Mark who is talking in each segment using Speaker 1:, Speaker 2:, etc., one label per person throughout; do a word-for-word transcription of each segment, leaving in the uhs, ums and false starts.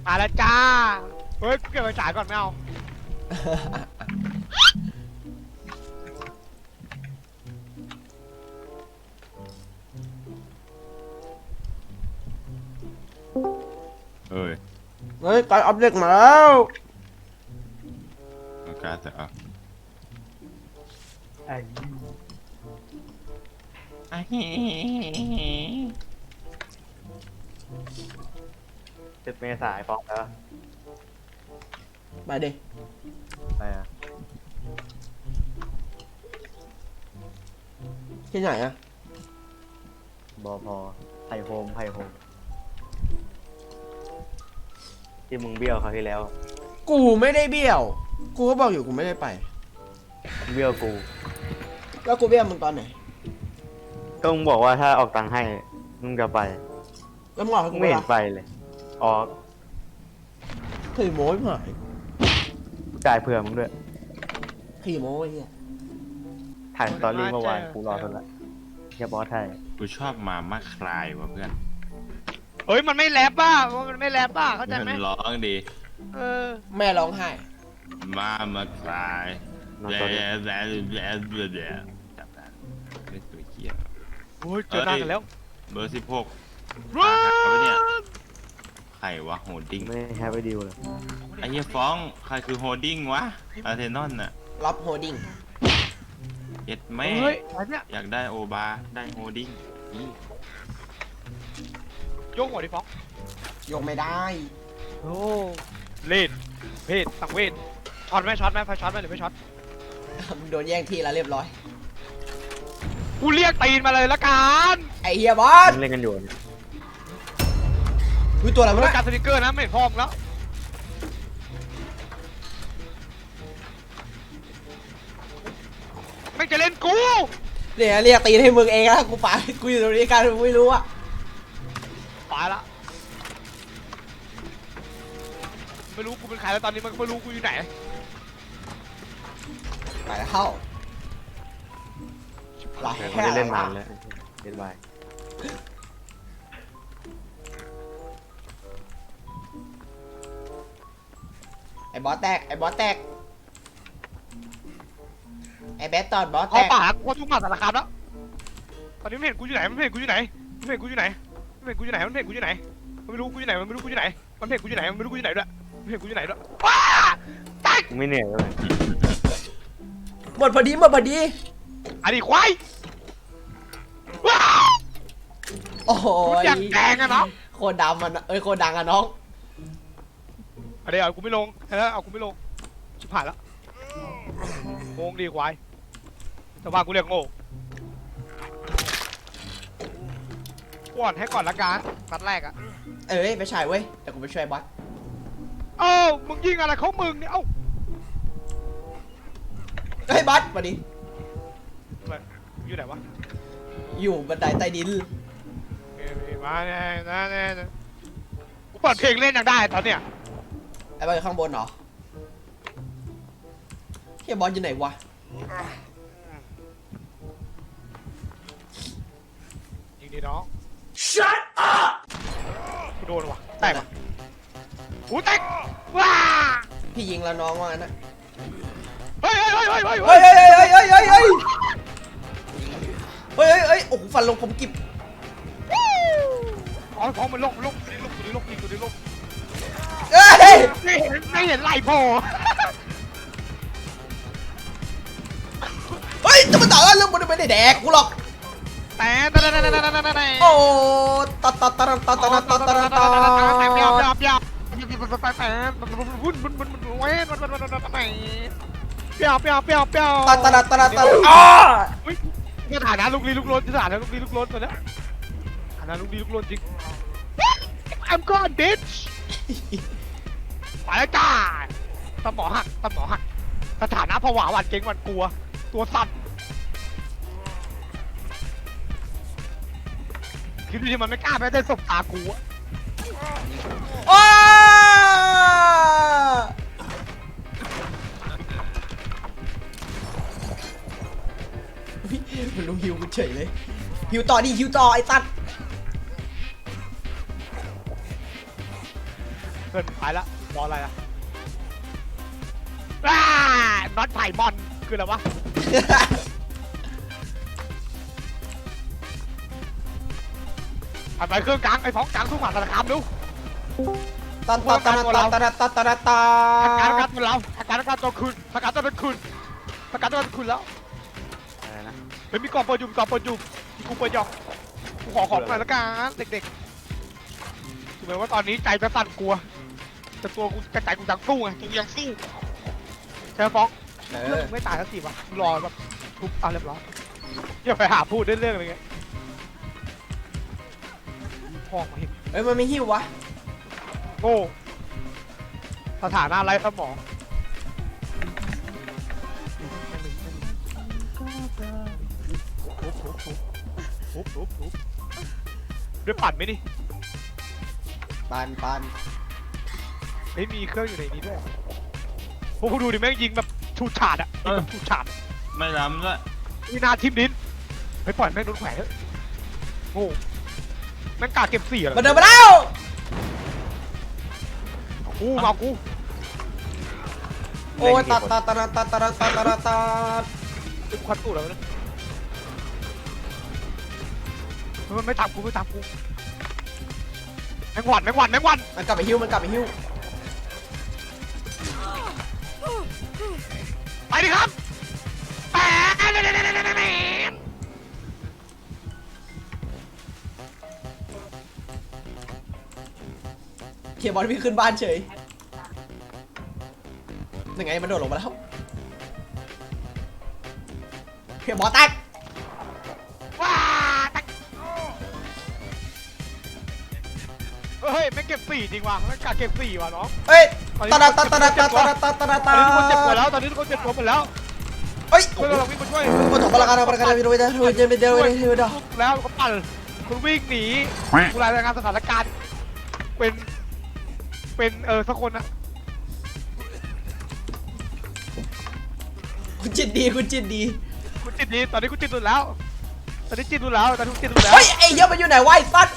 Speaker 1: มาแล้วจ้าเฮ้ยกูเก็บไปจ่ายก่อนไม่เอา
Speaker 2: เอ้ย
Speaker 3: เฮ้ยการอัปเดตมาแล้ว
Speaker 2: มันการจะเอาไอ้
Speaker 4: สิบเมษายนฟ้องแล้ว
Speaker 3: ไปดิ
Speaker 4: อะไรอ่ะ
Speaker 3: ที่ไหนอะ
Speaker 4: บอพอไพโฮมไพโฮมที่มึงเบี้ยวเขาวที่แล้ว
Speaker 3: กูไม่ได้เบี้ยว กูก็บอกอยู่กูไม่ได้ไป
Speaker 4: เบี้ยวกู
Speaker 3: แล้วกูเบี้ยวมึงตอนไหน
Speaker 4: ก็มึงบอกว่าถ้าออกตังค์ให้มึงจะไป
Speaker 3: แล้วมึงบอกให้
Speaker 4: มึ
Speaker 3: กู
Speaker 4: ง
Speaker 3: ไป
Speaker 4: ไม่เห็นไปเลยออก
Speaker 3: ขี่โม้ยหาย
Speaker 4: จ่ายเผื่อมึงด้วย
Speaker 3: ขี่โม้ไอ้เหี้ย
Speaker 4: ถ่ายสตอรี่เมื่อวานกูรอทนละเฮียบอสไทย
Speaker 2: กูชอบมามาคลายว่ะเพื่อน
Speaker 1: เฮ้ยมันไม่แรปป่ะมันไม่แรปป่ะเข้าใจไหม
Speaker 2: มันร้องดี
Speaker 1: เออ
Speaker 3: แม่ร้องไห้
Speaker 2: มามาคลาย
Speaker 4: นอน
Speaker 2: แย่
Speaker 4: ตอนนี้
Speaker 2: แย่แย่แย่แย่จับได้เล่นตัวเกียร์
Speaker 1: โอ้ยเจอหน้ากันแล้ว
Speaker 2: เบอร์สิบหก
Speaker 1: ว้า
Speaker 2: เอาไปเนี่ยใครวะโฮดดิ้ง
Speaker 4: ไม่แฮปปี้ดิวเลย
Speaker 2: ไอ้เหี้ยฟ้องใครคือโฮดดิ้งวะอาร์เทนอนน่ะ
Speaker 3: รับโฮดิ้ง
Speaker 2: เย็ดแม่
Speaker 1: เฮ้ยอะไรเนี่ย
Speaker 2: อยากได้โอบาได้โฮดดิ้งอี
Speaker 1: โยกหัวดิฟ้อง
Speaker 3: ยกไม่ได้
Speaker 1: โอ้เล่นเพศสังเวชช็อตไหมช็อตไหมไฟช็อตไหมหรือไม่ช็อต
Speaker 3: มึงโดนแย่งที่แล้วเรียบร้อย
Speaker 1: กูเรียกตีนมาเลยละกัน
Speaker 3: ไอ้เฮียบอส
Speaker 4: มึงเล่นกันอยู่เนี่ย
Speaker 3: ดูตัวอะไร
Speaker 1: กู
Speaker 3: วะ
Speaker 1: เรีย
Speaker 3: เนี่ย
Speaker 1: กการสติกเกอร์นะไม่เห็นพร้อมแล้วไม่จะเล่นกู
Speaker 3: เดี๋ยวเรียกตีนให้มึงเองนะกูไปกูอยู่ตรงนี้กันมึงไม่รู้อะ
Speaker 1: ตายละไม่รู้กูเป็นใครแล้วตอนนี้มันก็ไม่รู้กูอยู่ไหน
Speaker 3: ไปแล้วเข้าหลาย
Speaker 4: ไม่ได้เล่นนานแล้วเล่นไป
Speaker 3: ไอ้บอสแตกไอ้บอสแตกไอ้แบทตอดบอสแต
Speaker 1: เอา
Speaker 3: ก
Speaker 1: ปากกูทุกหมาสารคามแล้วตอนนี้ไม่เห็นกูอยู่ไหนมันไม่เห็นกูอยู่ไหนมันไม่เห็นกูอยู่ไหนมันไม่เห็นกูอยู่ไหนมันไม่เห็นกูอยู่ไหนมันไม่รู้กูอยู่ไหนมันไม่รู้กูอยู่ไหนมันไม่เห็นกูอยู่ไหนมันไม่รู้กูอยู่ไหนด้วยมันไม่เห็นกูอยู่ไหนด้วยว้าตาย
Speaker 4: มึงไม่เหนื่อยเลย
Speaker 3: หมดพอดีหมดพอดี
Speaker 1: อันนี้ควายว้า
Speaker 3: โอ้โห
Speaker 1: คุณอยากแดงอะเนาะ
Speaker 3: โคตรดำมันเอ้ยโคตรดังอะน้อง
Speaker 1: อันนี้เอากูไม่ลงแล้วเอากูไม่ลงชิบหายแล้วงงดีควายแต่ว่ากูเรียกโง่ก่อนให้ก่อนละกันนัดแรกอะ
Speaker 3: เอ้ยไปฉายเว้ยแต่กูไปช่วยบอส
Speaker 1: เอ้ามึงยิงอะไรเขามึงเนี่ยเอ้า
Speaker 3: เฮ้ยบอสมาดิ
Speaker 1: อยู่ไหนวะ
Speaker 3: อยู่บันไดใต้ดิน
Speaker 1: เอ้ยมาแน่นะแน่นะกูเปิดเพลงเล่นยังได้ตอนเนี้ย
Speaker 3: ไอ้บอสอยู่ข้างบนเหรอเฮียบอสอยู่ไหนวะ
Speaker 1: ยิงดีน้อง Shut up กูโดนว่ะแตกว่ะกูแตกว้า
Speaker 3: พี่ยิงแล้วน้องว่างั้นนะ
Speaker 1: เฮ้ยเฮ้ยเฮ้ยเฮ้ย
Speaker 3: เฮ้
Speaker 1: เฮ้
Speaker 3: ย
Speaker 1: ย
Speaker 3: เฮ้ยเฮ้ยเฮ้ยเฮ้ยเฮ้ยเฮ้ยเฮ้ยโอ้โหฟันลงผมกิบ
Speaker 1: อ๋อท้องมันลงลงตัวนี้ลงตัวนี้ลงยิงตัวนี้ลง
Speaker 3: เอ้ย
Speaker 1: ไม่เห็นไม่เห็นไหลโผล่
Speaker 3: เฮ้ยจะมาต่อกันเรื่องมันไม่ได้แดกกูหรอก
Speaker 1: แต่แต่แต่แต่แต่แต่แต่
Speaker 3: โอ้ตัดตัดตัดตัดตัดตัดตัดตัดตัดตัด
Speaker 1: ยาวยาวยาววุ่นวุ่นวุ่นวุ่นเว้ยมันมันมันมันมันเปียวเปียวเปียวเปียว
Speaker 3: ตัดตัดตัดตัดอ้า
Speaker 1: อุ้ยสถานะลูกลีลูกล้นสถานะลูกลีลูกล้นตัวเนี้ยสถานะลูกลีลูกล้นจริง I'm gone bitch ไปแล้วจ้าสมอหักสมอหักสถานะผวาหวาดเก่งหวาดกลัวตัวสั่นคิดดูที่มันไม่กล้าไปได้สบตากูอะ
Speaker 3: อ้ามันลงฮิวกูเฉยเลยฮิวต่อดิฮิวต่อไอ้ตัด
Speaker 1: เอกินไปละรออะไรล่ะอ้าน็อตไผ่มอนคืออะไรวะผ่านไปเครื่องกลางไอ้ฟ้องกลางสู้หมาสารคามดู
Speaker 3: ตอนตอนตอนตอนตอนตอนตอนตอนตอ
Speaker 1: อาการ
Speaker 3: น
Speaker 1: การตัวเราอาการการตัวคืนอาการตัวเป็นคืนอาการตัวเป็นคืนแล้ว
Speaker 4: อะไรนะ
Speaker 1: เฮ้ยมีกล่องเปิดอยู่มีกล่องเปิดอยู่มีกูเปิดหยอกกูขอของหน่อยละกันเด็กๆถึงแม้ว่าตอนนี้ใจจะสั่นกลัวแต่ตัวกูกระจายกูยังสู้ไงกูยังสู้ใช่ไหมฟ้อง
Speaker 3: เอ
Speaker 1: เรื่อง
Speaker 3: อ
Speaker 1: มึงไม่ตายสักทีวะรอแบบทุบเอาเรียบร้อยอย่าไปหาพูดเรื่องอะไรเงี้ยพ่อมาเห็น
Speaker 3: เฮ้ยมันไม่หิววะ
Speaker 1: โง่สถานะไร้สมองทุบทุบทุบด้วยปั่นไหมดิ
Speaker 3: ปานปาน
Speaker 1: เฮ้ยมีเครื่องอยู่ในนี้ด้วยพวกกูดูดิแม่งยิงแบบชูดฉาดอะยิงแบบชูดฉาด
Speaker 2: ไม่ล้ำด้วย
Speaker 1: มีนาทิมดินเฮ้ยปล่อยแม่งโดนแขวนเถอะโง่แม่งกาเก็บเสีย
Speaker 3: มาเดินมาแล้ว
Speaker 1: กูมากู
Speaker 3: โอ้ยตัดตัดตัดตัดตัดตัดตัดตัดตัด
Speaker 1: กูควันตู้แล้วนะมันไม่ตามกูไม่ตามกูแมงวันแมงวันแมงวัน
Speaker 3: มันกลับไปหิวมันกลับไปหิว
Speaker 1: ไปดิครับแปะ
Speaker 3: เขียบอลพี่ขึ้นบ้านเฉยยังไงมันโดดลงมาแล้วเขียบอลแตก
Speaker 1: ว้าตักเฮ้ยไม่เก็บสี่จริงว่ะไม่กาเก็บสี่ว่ะน้อง
Speaker 3: เฮ้ยตัดตัดตัดตัดตัดตัดตัดตัด
Speaker 1: ต
Speaker 3: ตั
Speaker 1: อนนี้ทุกคนเจ็บปวด
Speaker 3: ด
Speaker 1: แล้วตอนนี้ทุกคนเจ็บปวดหมดแล้ว
Speaker 3: เฮ้ย
Speaker 1: เพื่อนเราวิ่งมาช่วย
Speaker 3: มันถกพลังงานพลังงานไปดูไปดูไปดูไปดูไปดูไปดู
Speaker 1: แล้วก็ปั่นคุณวิ่งหนีคุณรายงานสถานการณ์เป็นเป็นเออสักคนนะ
Speaker 3: คุณจิตดีคุณจิตดี
Speaker 1: คุณจิตดีตอนนี้คุณจิตดุแล้ว ตอนนี้จิตดุแล้วตอนนี้คุณจิตดุแล้ว
Speaker 3: เฮ้ยไอ้เหี้ยมันอยู่ไหนวะไอ้สัส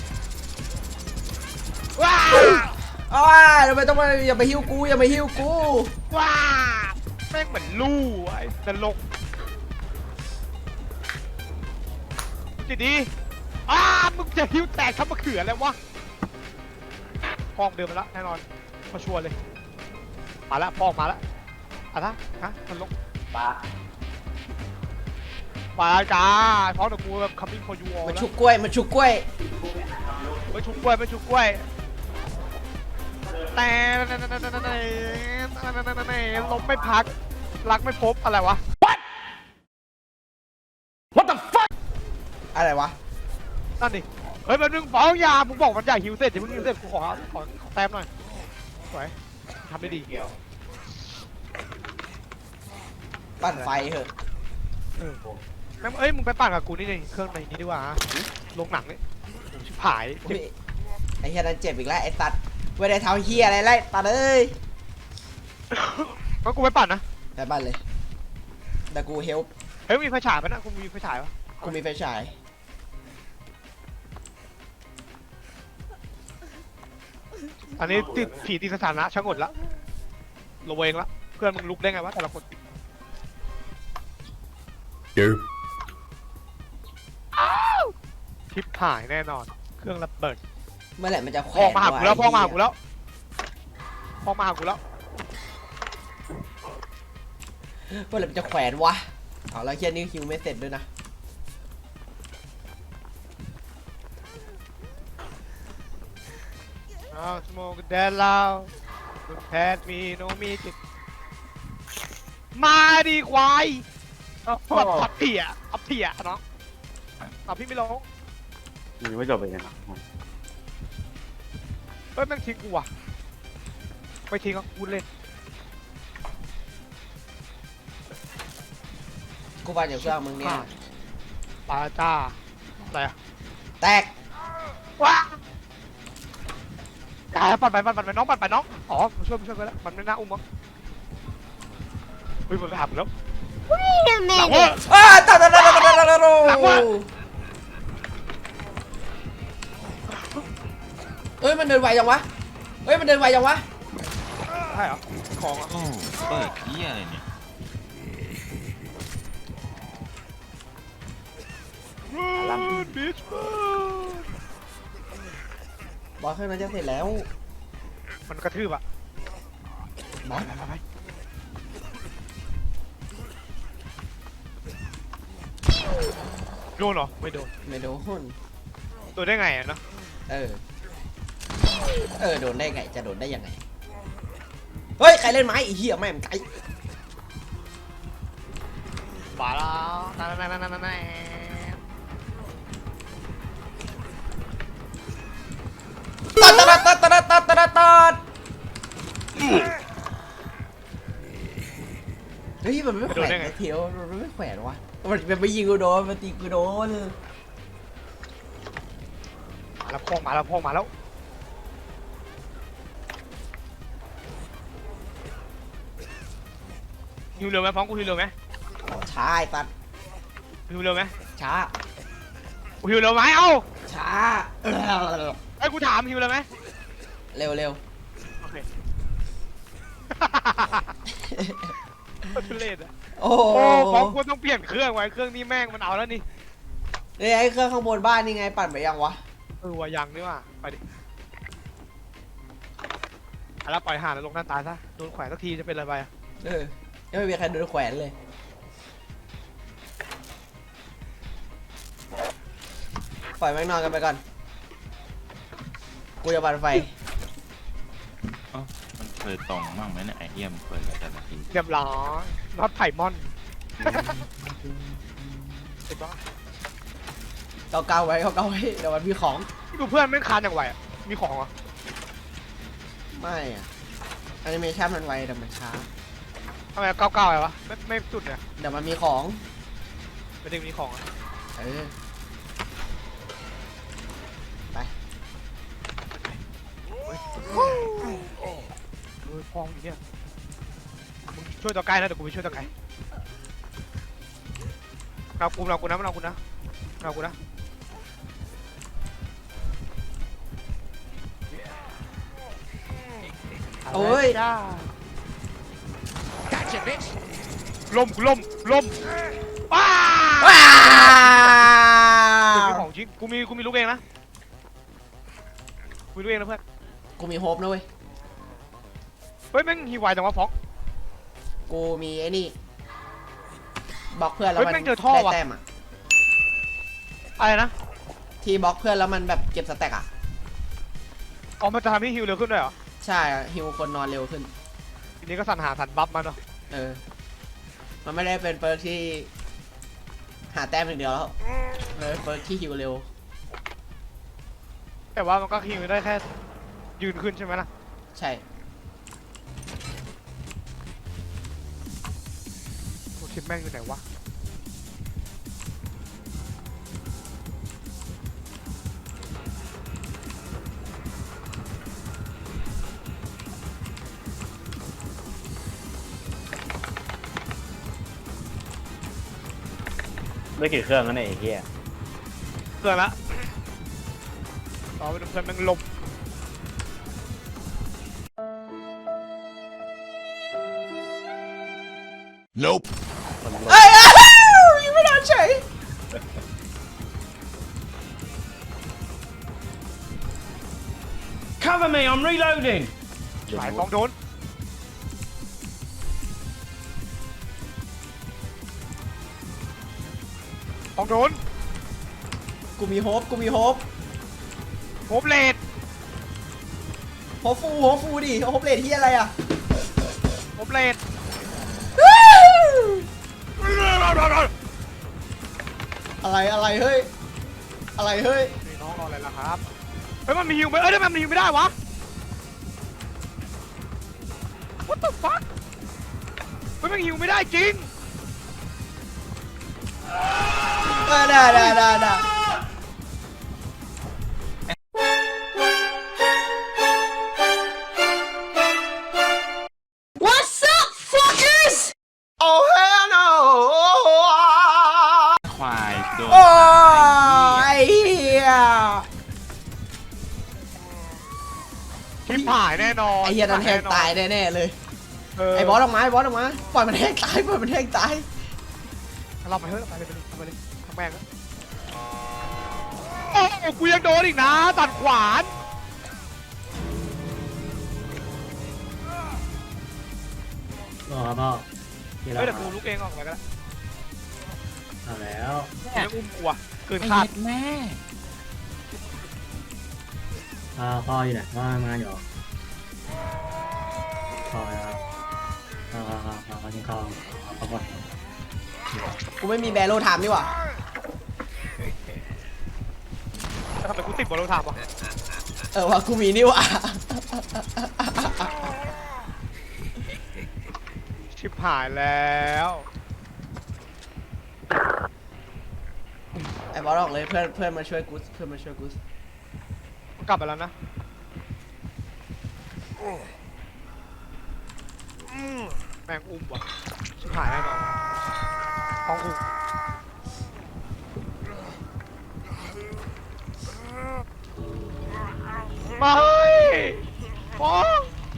Speaker 1: ว้า
Speaker 3: อ้าวทำไมต้องมาอย่าไปหิ้วกูอย่าไปหิ้วกู
Speaker 1: ว้าแม่งเหมือนลู่ไอ้นรกคุณจิตดีอ้ามึงจะหิ้วแตกทั้งมะเขือแล้ววะพองเดินมาแล้วแน่นอนมาชัวร์เลยมาแล้วพองมาแล้วอะไรฮะนรก
Speaker 4: ปลา
Speaker 1: มาจ้าพร้อมกับกูแบบ coming for you all
Speaker 3: มัน
Speaker 1: แล้ว
Speaker 3: ชุกกล้วยมันชุกกล้วย
Speaker 1: ไม่ชุบกล้วยไม่ชุบกล้วยแต่ลมไม่พักรักไม่พบอะไรวะ What the fuck
Speaker 3: อะไรวะ
Speaker 1: นั่นดิเฮ้ยมันนึงฟ้องยามึงบอกมันใหญ่หิวเสร็จเดี๋ยวมึงหิวเสร็จกูขอขอขอแต้มหน่อยสวยทำได้ดี
Speaker 3: ปั่นไฟเหอะ
Speaker 1: เออแม่งเอ้ยมึงไปปั่นกับกูนี่นี่เครื่องในนี้ดีกว่าลงหนังนี่ชิบหายเจ็บ
Speaker 3: ไอ้เฮียนั่นเจ็บอีกแล้วไอ้สัตว์ไม่ได้เท้าเฮียอะไรเลยตัดเอ้ย
Speaker 1: งั้นกูไปปั่นนะ
Speaker 3: แต่บ้านเลยแต่กูเฮลป์
Speaker 1: เฮ้ยมีไฟฉายปะนะกูมีไฟฉายปะ
Speaker 3: กูมีไฟฉาย
Speaker 1: อันนี้ติดผีติดสถานะชะงดละระเวงละเพื่อนมึงลุกได้ไงวะแต่ละคนทิปถ่ายแน่นอน เครื่องระเบิด
Speaker 3: เมื่อไหร่มันจะแขว
Speaker 1: พ่อน มาหากูแล้วพ่อมาหากู
Speaker 3: วะ
Speaker 1: แล้วพ่อมาหากูแล้ว
Speaker 3: เมื่อไหร่มันจะแขวนวะเอาแล้วเฮียนี่คิวไม่เสร็จด้วยนะ
Speaker 1: อ้าวสโมกแดนลาวคุณแพทมีโนมีจิตมาดีควายแบบพับเถี่ยพับเถี่ยเนาะเอาพี่ไม่ลง
Speaker 4: ยังไม่จบเลยนะ
Speaker 1: เฮ้ยแม่งทิ้งกูว่ะไม่ทิ้งอ่ะกูเล่น
Speaker 3: กูปั่นอยู่เครื่องมึงเนี่ย
Speaker 1: ปาจ้าอะไรอะ
Speaker 3: แตก
Speaker 1: ว้าอย่าปั่นไปปั่นไปน้องปั่นไปน้องอ๋อมาช่วยมาช่วยกันแล้วมันไม่น่าอุ้มมั้งเฮ้ยมันไปหาผมแล้ว
Speaker 5: Wait a
Speaker 1: หลังว่า
Speaker 5: minute.
Speaker 3: อ้าตาตาตาตาตาตาตา
Speaker 1: หลังวะ
Speaker 3: เอ้ยมันเดินไวจังวะเฮ้ยมันเดินไวจังวะ
Speaker 1: ใช่เหรอของอ่ะ
Speaker 2: โอ้เปิดเหี้ยอะไรเนี่ย
Speaker 1: รันบิช
Speaker 3: บอสเครื่องนั้นจะเสร็จแล้ว
Speaker 1: มันกระทืบอ่ะ
Speaker 3: บอส
Speaker 1: ไปไปไปโดนเหรอไม่โดน
Speaker 3: ไม่โดน
Speaker 1: โดนได้ไงอ่ะเนาะ
Speaker 3: เออเออโดนได้ไงจะโดนได้ยังไงเฮ้ยใครเล่นไม้ไอ้เหี้ยแม่งไก่
Speaker 1: บาแล้วนั่นนั่นนั่นนั่นนั่น
Speaker 3: ตัดตัดตัดตัดตัดตัดตัดเฮ้ยมันไม่แขวนไอ้เทียวมันไม่แขวนวะมันมันไปยิงกูโดนมันตีกูโดน
Speaker 1: มาแล้วพองมาแล้วพองมาแล้วฮิวเร็วไหมพ้องกูฮิวเร็วไหม
Speaker 3: ช้าไอ้ตัด
Speaker 1: ฮิวเร็วไหม
Speaker 3: ช้า
Speaker 1: กูฮิวเร็วไหมเอ้า
Speaker 3: ช้า
Speaker 1: ไอ้กูถามฮิวเร็วไหม
Speaker 3: เร็วเร็ว
Speaker 1: โอเคทุเรศอะ
Speaker 3: โอ้
Speaker 1: โอ้ฟ้องกูต้องเปลี่ยนเครื่องไว้เครื่องนี้แม่งมันเอาแล้วนี่
Speaker 3: เฮ้ยไอ้เครื่องข้างบนบ้านนี่ไงปั่นไปยังวะ
Speaker 1: เออว่ายังนี่ว่าไปดิเอาละปล่อยห่านแล้วลงหน้าตายซะโดนแขวนสักทีจะเป็นอะไรไปอะ
Speaker 3: เออยังไม่มีใครโดนแขวนเลยปล่อยแม่งนอนกันไปก่อนกูจะปั่นไฟ
Speaker 2: เอ้ามันเคยตรงมั่งไหมเนี่ยไอเอี่ยมเคยแต่ละที
Speaker 1: เรียบร้อยน็อตไผ่มอนเห็นปะ
Speaker 3: เกาเกาๆไว้เกาเกาๆไว้เดี๋ยวมันมีของ
Speaker 1: ดูเพื่อนไม่งคานอย่างไวอะมีของเหรอ
Speaker 3: ไม่อะแอนิเมชันมันไวแต่มันช้า
Speaker 1: ทำไมเก้าเก้าอะไรวะไม่ไม่จุดเนี่ย
Speaker 3: เดี๋ยวมันมีของ
Speaker 1: ไม่ได้มีของอะ
Speaker 3: เออไป
Speaker 1: เออพองอยู่เนี่ยมึงช่วยตัวไกลนะเดี๋ยวกูไปช่วยตัวไกลเรากูเรากูนะเรากูนะเรากูนะ
Speaker 3: โอ้ย
Speaker 1: จ้าล่มกูล่มล่มว้า
Speaker 3: ว้า
Speaker 1: กูมี
Speaker 3: ว
Speaker 1: ของจริงกูมีกูมีลูกเองนะกูมีลูกเองนะเพื่อน
Speaker 3: กูมีโฮปนะเว้ย
Speaker 1: เฮ้ยแม่งฮีวายจังวะฟอก
Speaker 3: กูมีไอ้นี่บล็อกเพื่อนแล้ว
Speaker 1: เฮ้ย
Speaker 3: มัน
Speaker 1: แม่งเจอท่อ
Speaker 3: ได้
Speaker 1: ว่ะ
Speaker 3: แต้มอ่ะ
Speaker 1: อะไรนะ
Speaker 3: ทีบล็อกเพื่อนแล้วมันแบบเก็บสแต็กอ่ะ
Speaker 1: อ๋อมันจะทำให้ฮิวเร็วขึ้นด้วยเหรอ
Speaker 3: ใช่ฮิวคนนอนเร็วขึ้น
Speaker 1: ทีนี้ก็สั่นหาสั่นบัฟมาเนาะ
Speaker 3: เออ มันไม่ได้เป็นเปิร์กที่หาแต้มอย่างเดียวแล้วมันเป็นเปิร์กที่ฮิวเร็ว
Speaker 1: แต่ว่ามันก็ฮิวได้แค่ยืนขึ้นใช่ไหมล่ะ
Speaker 3: ใช่
Speaker 1: โอ้ชิปแม่งอยู่ไหนวะ
Speaker 4: ไม่กี่เครื่องแล้วเนี่ยไอ้เหี้ย
Speaker 1: เกินละต่อไปดูเพื่อนแม่งลม
Speaker 2: Nope
Speaker 4: มันลง
Speaker 3: เอ้ยอ้าวยิงไม่โดนเฉย
Speaker 5: Cover me, I'm reloading!
Speaker 1: หลายฟองโดนฟองโดน
Speaker 3: กูมีโฮปกูมีโฮป
Speaker 1: โฮปเลด
Speaker 3: โฮปฟูโฮปฟูดิโฮปเลทที่อะไรอ่ะ
Speaker 1: โฮปเลด
Speaker 3: อะไรอะไรเฮ้ย อะไรเฮ้ย
Speaker 1: นี่น้องรออะไรล่ะครับเฮ้ยมันมีฮิวไหมเอ้ยทำไมมันฮิวไม่ได้วะ What the fuck เฮ้ยมันฮิวไม่ได้จริง
Speaker 3: เออได้ได้ได้ได้
Speaker 6: What's up, fuckers?
Speaker 3: โอ้เฮลโน
Speaker 2: ควายโดน
Speaker 3: โอ้
Speaker 2: ตาย
Speaker 3: ยเฮีย
Speaker 1: ชิบหายแน่
Speaker 3: ไอ้เหี้ยนั่นแห้งตายแน่ๆเลยไอ้บอสออกมาไอ้บอสออกมาปล่อยมันแห้งตายปล่อยมันแห้งตาย
Speaker 1: เราไปเถอะไปเลยไปเลยทำแม่งแล้วโอ้กูยังโดนอีกนะตัดขวาน
Speaker 5: รอครับพ่อ
Speaker 1: เฮ้ยเดี๋ยวกูลุกเองออกไปก็ได้
Speaker 5: เอาแล้ว
Speaker 1: ยังอุ้มกูอะเกิน
Speaker 2: ไอ้
Speaker 1: คาด
Speaker 2: เหี้ยแม่
Speaker 5: พ่อพ่ออยู่ไหนพ่อทำงานอยู่เหรอพ่อครับพ่อพ่อพ่อพ่อพ่อกินข้าวพ่อพ่อ
Speaker 3: กูไม่มีแบโลไทม์นี่หว่า
Speaker 1: แล้วทำไมกูติดบอลลูนถามวะ
Speaker 3: เออว่ากูมีนี่หว่า
Speaker 1: ชิบหายแล้ว
Speaker 3: ไอ้บอสออกเลยเพื่อนเพื่อนมาช่วยกูเพื่อนมาช่วยกู
Speaker 1: กลับไปแล้วนะแม่งอุ้มว่ะชิบหายแน่นอนท้องอุ้มมาเฮ้ยฟ้อง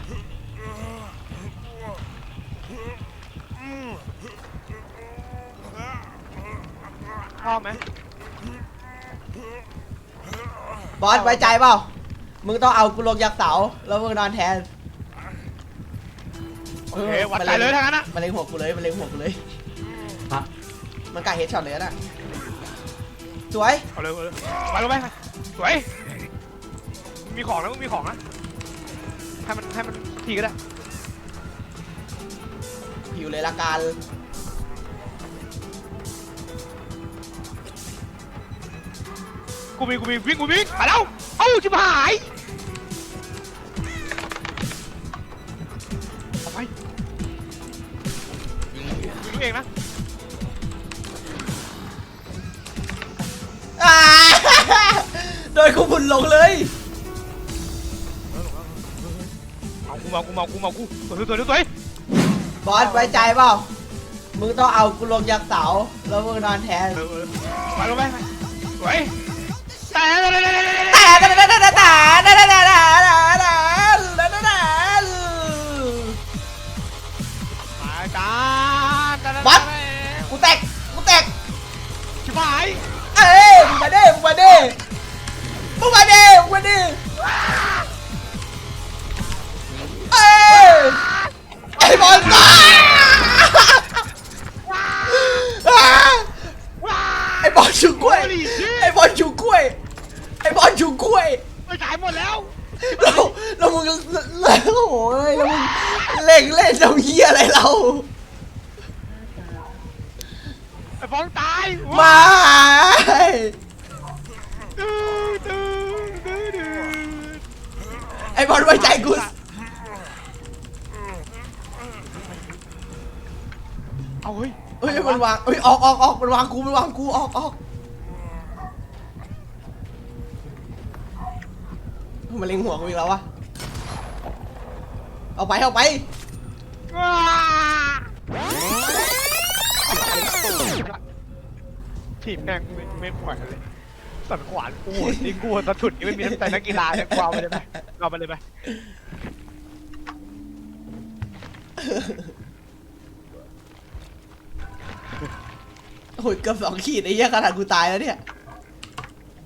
Speaker 1: ชอบไหม
Speaker 3: บอสไว้ใจเปล่ามึงต้องเอากูลงจากเสาแล้วมึงนอนแทน
Speaker 1: โอเควัดใจเลยทั้งนั้นนะ
Speaker 3: มันเล็งหัวกูเลยมันเล็งหัวกูเลย
Speaker 5: พระ
Speaker 3: มันกล้าเฮดช็อตเลยนะสวย
Speaker 1: เอาเลยเอาเลยไปลงไปสวยมีของนะมึงมีของนะให้มันให้มันทีก็ได้
Speaker 3: ผิวเลยละกัน
Speaker 1: กูมีกูมีวิ่งกูวิ่งไปแล้วเอ้าชิบหายเอาไปยิงเองนะ
Speaker 3: อ่า โดนกูบุญลงเลย
Speaker 1: เอากูมากูมากูมากูสวยสวยสวย
Speaker 3: บอสไว้ใจเปล่ามึงต้องเอากูลงจากเสาแล้วมึงนอนแทน
Speaker 1: เออเออไปลงไปสวยแต่
Speaker 3: แต่แต่แต่แต่แต่แต่แต่แต่แต่แต่แต่
Speaker 1: หายการ
Speaker 3: บอสกูแตกกูแตก
Speaker 1: ชิบหาย
Speaker 3: เอ้ยมึงมาดิมึงมาดิมึงมาดิมึงมาดิเอ้ยไอ้บอลตายไอ้บอลชูกล้วยไอ้บอลชูกล้วยไอ้บอลชูกล้วย
Speaker 1: ไปขายหมดแล้ว
Speaker 3: แล้วแล้วมึงแล้วโอ้ยแล้วมึงเล่งเล่นทำเหี้ยอะไรเรา
Speaker 1: ไอ้ฟองตาย
Speaker 3: มา
Speaker 1: ดื้อดื้อดื้อดื้อ
Speaker 3: ไอ้บอลไว้ใจกู
Speaker 1: เอาเฮ้ย
Speaker 3: เฮ้ยมันวางเฮ้ยออกออกออกมันวางกูมันวางกูออกออกมันเล็งหัวกูอีกแล้ววะเอาไปเอาไป
Speaker 1: ทีมแม่งไม่ไม่ปล่อยเลยสันขวานกูนี่กูสะถุดนี่ไม่มีน้ำใจนักกีฬาเนี่ยกูเอาไปเลยไหมเอาไปเลยไหม
Speaker 3: โอ้ยเกือบสองขีดไอ้เหี้ยขนาดกูตายแล้วเนี่ย